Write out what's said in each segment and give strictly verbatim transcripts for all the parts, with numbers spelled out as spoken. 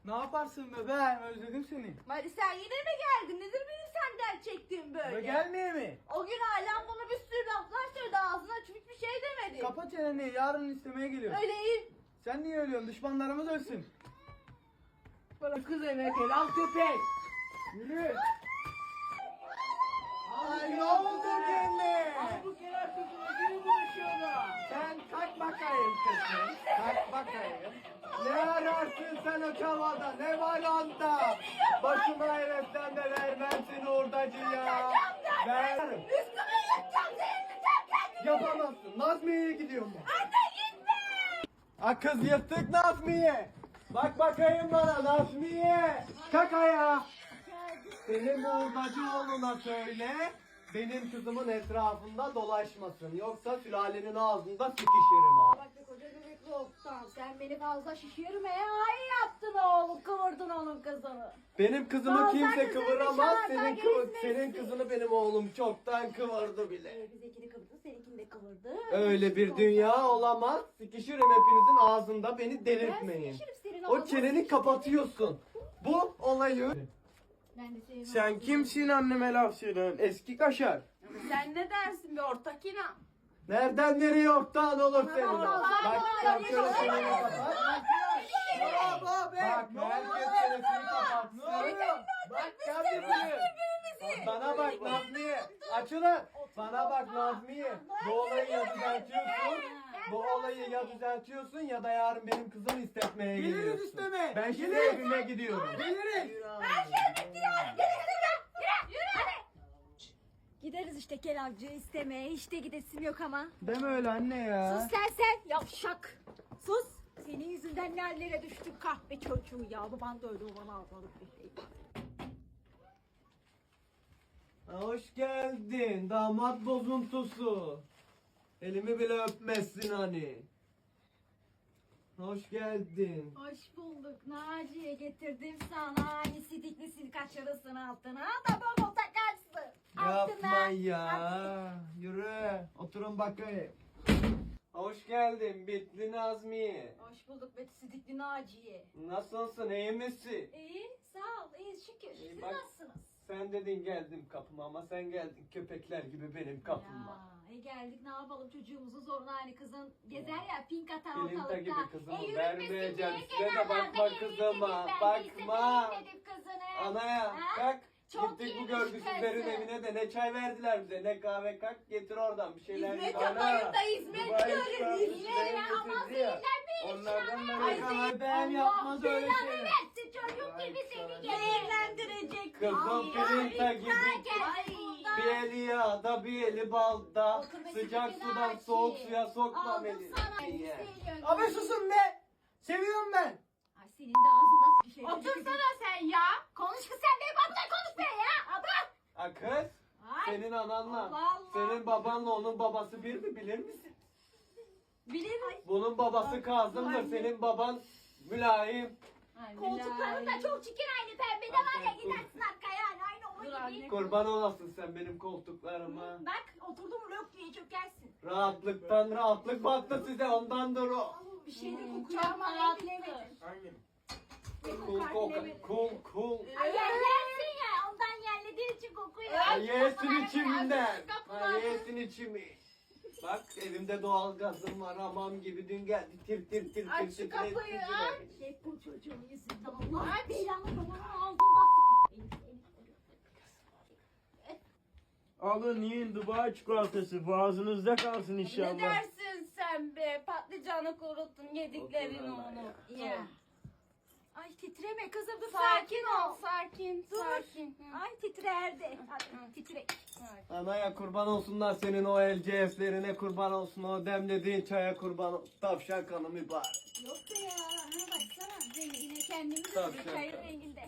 Ne yaparsın bebeğim, özledim seni. Hadi sen yine mi geldin? Nedir benim senden çektiğim böyle? Ve gelmeye mi? O gün ailem bana bir sürü laflar söyledi, ağzına açıp hiçbir şey demedi. Kapa çeneni, yarın istemeye geliyorum. Öyle iyi. Sen niye ölüyorsun? Düşmanlarımız ölsün. Bana kız emek el al köpek. Yürü. Ay ne oldu gene? Al bu kenar kızına geri bulaşıyorlar. Sen kalk bakayım kızım. Kalk bakayım. Ne ararsın sen o çavada? Ne var onda? Başıma heriften de vermezsin hurdacı ya. Ver. Üstüme yatacağım, zehirleyeceğim kendimi. Yapamazsın. Nazmiye'ye gidiyorum ben. Anne gitme. Ha kız yırttık Nazmiye. Bak bakayım bana Nazmiye. Kalk ayağa. Senin hurdacı oğluna söyle. Benim kızımın etrafında dolaşmasın. Yoksa sülalenin ağzında sıkışırım ha. Bak be koca göbekli oktan, sen beni fazla şişirmeye ay yaptın oğlum, kıvırdın onun kızını. Benim kızımı Aa, kimse sen kızını kıvıramaz. çağır, Senin sen kıvı- gerisini senin etsin. kızını benim oğlum çoktan kıvırdı bile. Ee, bizekini kıvırdı, seninkini de kıvırdı. Öyle bir dünya olamaz. Sıkışırım hepinizin ağzında, beni Ben delirtmeyin. sıkışırım senin O ağzına, çeneni sıkışırım. kapatıyorsun. Bu olayı. Ben de senin Sen ağzına- kimsin anneme laf söyleyen? Eski kaşar. Sen ne dersin be ortak inan? Nereden nereye ortağın olur senin? Allah Allah, Bak Allah sen Allah, şöyle Allah çeneni Allah, kapat. Bravo be. Bak herkes çenesini kapatsın. Bak kardeşim. Bana bak Nazmiye. Açılın. Bana bak Nazmiye. Bu olayı ya düzeltiyorsun. Bu olayı ya düzeltiyorsun ya da yarın benim kızımı istetmeye Geliriz geliyorsun. isteme. Ben şimdi Geliriz. evime gidiyorum. Gelirim. Gideriz işte kelavcı istemeye, işte gidesim yok ama. Deme öyle anne ya. Sus sen sen, yavşak. Sus. Senin yüzünden ne hallere düştük kahpe çocuğu ya. Baban da öyle, o bana almalık bir şey. Hoş geldin damat bozuntusu. Elimi bile öpmezsin hani. Hoş geldin. Hoş bulduk Naciye, getirdim sana. Hani sidiklisini kaçırırsın altına da baba takarsın. Yapma ya. Yürü. Oturun bakayım. Hoş geldin Bitli Nazmiye. Hoş bulduk be sidikli Naciye. Nasılsın, iyi misin? İyi, sağ ol, iyi şükür. İyi, Siz bak. nasılsınız? Sen dedin geldim kapıma ama sen geldin köpekler gibi benim kapıma. Ya, e geldik ne yapalım, çocuğumuzun zoruna, hani kızın gezer ya pink atar Filinta ortalıkta. gibi kızımı yürütmesin vermeyeceğim. diye Size de kenarlarda bakma gelin kızıma, dedik, ben bakma. de istedim kızını. Anaya Ha? kalk. Çok Gittik bu iyiymiş görgüsüzlerin kızı. evine de ne çay verdiler bize ne kahve, kalk getir oradan bir şeyler. Hizmet Ana, yaparım da hizmet Dubai görürüm. şarabı Hizmet şeyler ya, ama getirdi ya. zehirlenmeyin Onlardan inşallah. ben Ay, yakalar. Ben Allah yapmaz öyle belanı şey. versin, çocuk gibi seni zehirlendirecek. Kızım Filinta gibi. Bir eli yağda bir eli balda. Sıcak sudan soğuk suya sokma Aldım beni. sana İyi. elbiseyi. Abi susun be. Seviyorum ben. Ay senin de ağzından bir şey. Otursana sen ya. Konuş kız, sen benim adına konuş be ya. Adam. Ha kız. Ay. Senin ananla, Allah Allah. senin babanla onun babası bir mi bilir misin? Bilir mi? Bunun babası Kazım'dır, senin baban Mülayim. Koltukların da çok çirkin, aynı pembe de var ya, gidersin arkaya yani aynı onun Dur gibi. anne. Kurban olasın sen benim koltuklarıma. Bak oturdum lök diye çökersin. Rahatlıktan rahatlık battı size, ondandır o. Bir şey de Hmm, kokuyor çok ama ben rahattı. bilemedim. Hangi? Cool cool cool cool. Ay yerlersin ya, ondan yerlediğin için kokuyor. Ay yesin Ay, içimden. kapılar. Ay yesin içimi. Bak evimde doğal gazım var, hamam gibi dün geldi tir tir tir Aç tir şu tir kapıyı, tir aç. tir. Hep bu çocuğun yüzünden Allah Aç. belanı babanın ağzından. Elif, Elif, Elif. Alın yiyin Dubai çikolatası. Boğazınızda kalsın Ne inşallah. dersin sen be? Patlıcanı kuruttun, yediklerin Otur onu. ya. Ya. Ay titreme kızım, dur Sakin ol, sakin, Dur. sakin. Hı. Ay titrerdi. Hadi titre. Anaya kurban olsunlar senin o el C F'lerine, kurban olsun o demlediğin çaya, kurban olsun. Tavşan kanı mübarek. Yok be ya. Ha baksana. Rengine kendimiz Tabii, öldük. tabii. Çayın renginde.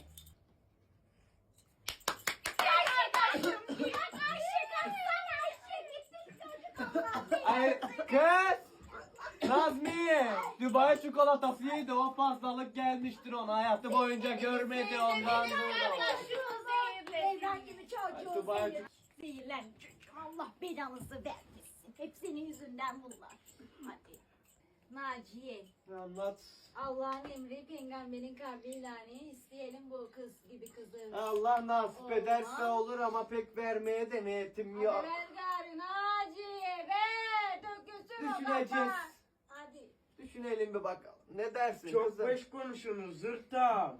Ay kız! Nazmiye! Dubai çikolatası yedi, o fazlalık gelmiştir ona, hayatı boyunca görmedi ondan dolayı. Evren gibi çocuğu Dubai- zehir. Zehirlen çocuğum. Allah belanızı vermesin. Hep senin yüzünden bunlar. Hadi. Naciye. Anlat. Allah'ın emri peygamberin kavliyle isteyelim bu kız gibi kızı. Allah nasip Olmaz. ederse olur ama pek vermeye de niyetim Hadi yok. ver gari Naciye ver. Dökülsün o Düşüneceğiz. kafa. Hadi. Düşünelim bir bakalım. Ne dersin Çok kızım? beş konuşunuz zırta.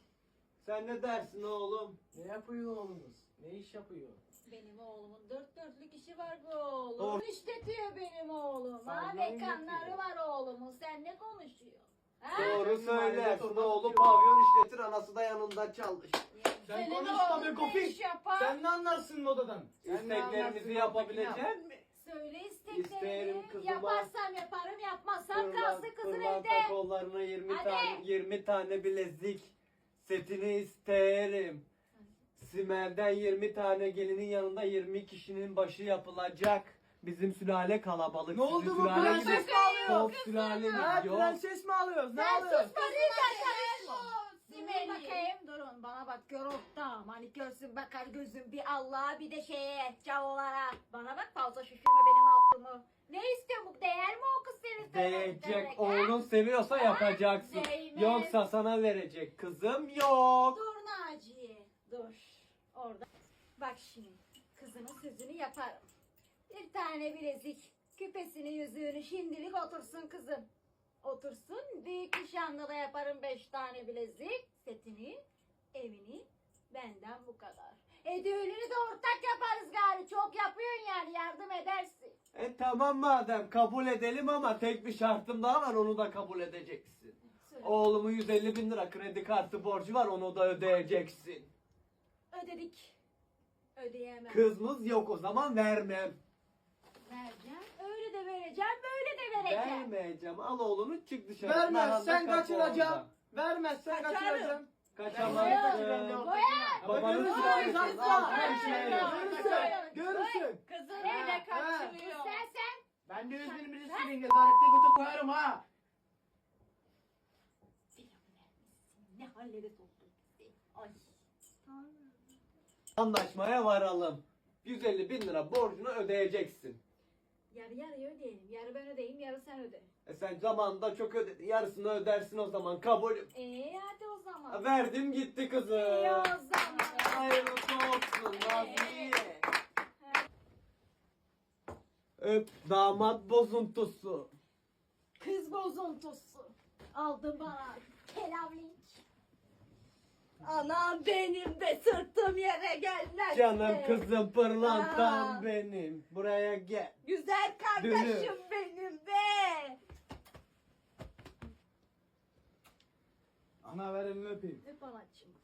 Sen ne dersin oğlum? Ne yapıyor oğlunuz? Ne iş yapıyor? Benim oğlumun dört dörtlük işi var bu oğlum. Doğru. İşletiyor benim oğlum. Ha Pavyon mekanları yapıyor. var oğlumun. Sen ne konuşuyorsun? Ha? Doğru Sen mahallede söylersin. torba Oğlu tutuyor. pavyon işletir, anası da yanında çalış. Sen Senin konuş oğlun tabii ne Kofik. iş yapar? Sen ne anlarsın modadan? Sen ne anlarsın İsteklerimizi modadan? yapabilecek mi? Söyle İsterim isteklerini. kızıma. Yaparsam yaparım, yapmazsam Pırlan- kalsın kızın pırlanta evde. kollarına yirmi Hadi. tane yirmi tane bilezik setini isterim. Simer'den yirmi tane gelinin yanında yirmi kişinin başı yapılacak. Bizim sülale kalabalık. Ne oldu Sizin bu sülaleniz- prenses mi alıyor? Çok sülaleniz Ha yok. prenses mi alıyoruz? Ne Sen alıyoruz? sus bakayım karışma. Simeli. Durun bakayım durun bana bak gör ortağım. Hani görsün bakar gözüm bir Allah'a bir de şeye cavolara. Bana bak fazla şişirme benim altımı. Ne istiyor bu değer mi o kız senin? Değecek. Oğlun seviyorsa yapacaksın. Değmez. Yoksa sana verecek kızım yok. Dur Naciye dur. Orada. Bak şimdi kızının sözünü yaparım. Bir tane bilezik küpesini yüzüğünü şimdilik otursun kızım. Otursun büyük nişanda da yaparım beş tane bilezik setini evini benden bu kadar. E düğününü de ortak yaparız gari çok yapıyorsun yani yardım edersin. E tamam madem kabul edelim ama tek bir şartım daha var, onu da kabul edeceksin. Söyle. Oğlumun yüz elli bin lira kredi kartı borcu var, onu da ödeyeceksin. Ödedik. Ödeyemem. Kızımız yok, o zaman vermem. Vereceğim. Öyle de vereceğim böyle de vereceğim. Vermeyeceğim. Al oğlunu çık dışarı. Vermezsen Naranda kapı kaçıracağım. orada. Vermezsen Kaçarım. kaçıracağım. Kaçamazsın. Boyar. Babanın Görürsün, sülalesi. görürsün. Al, Boyar. hemşire. Görürsün. Görürsün. Kızın Ha, evde ha. kaçırıyor. Sen sen. Ben de yüz bin birisi sileyim. Nezarette götü koyarım ha. Ne hallere soktun bizi. Ay. Anlaşmaya varalım. yüz elli bin lira borcunu ödeyeceksin. Yarı yarıya ödeyelim. Yarı ben ödeyeyim, yarı sen öde. E sen zamanında çok ödedin. Yarısını ödersin o zaman. Kabul. Ee hadi o zaman. Verdim gitti kızım. İyi o zaman. Hayırlısı olsun Nazmiye. Öp damat bozuntusu. Kız bozuntusu. Aldın bana kelavlik. Anam benim de sırtım yere gelmez. Canım kızım pırlantam Aa. benim. Buraya gel. Güzel kardeşim benim be. Ana ver elini öpeyim. Öp anacığım.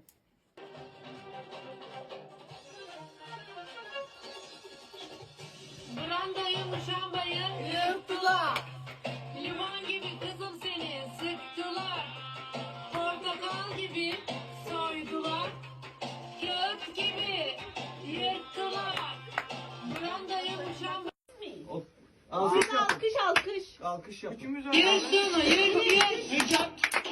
Brandayı muşambayı Yırttılar. limon gibi kızım seni sıktılar. Portakal gibi soydular. Kağıt gibi yırttılar. Brandayı muşambayı Alkış yap. Alkış alkış. Alkış yap. Üçümüz yırtını yırt yırt. Yırtını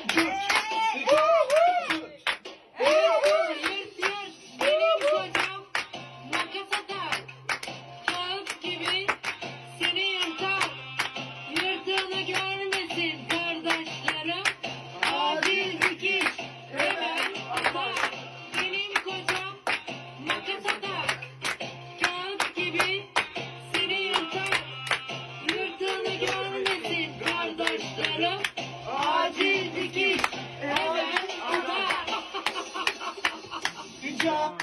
yırt yırt. Benim kocam makas atar. Kağıt gibi seni yırtar. Yırtığını görmesin kardeşlerim. Acil dikiş hemen atar. Benim kocam makas atar. Kağıt gibi seni yırtar. Yırtığını görmesin kardeşlerim. Acil dikiş hemen atar. Hicap.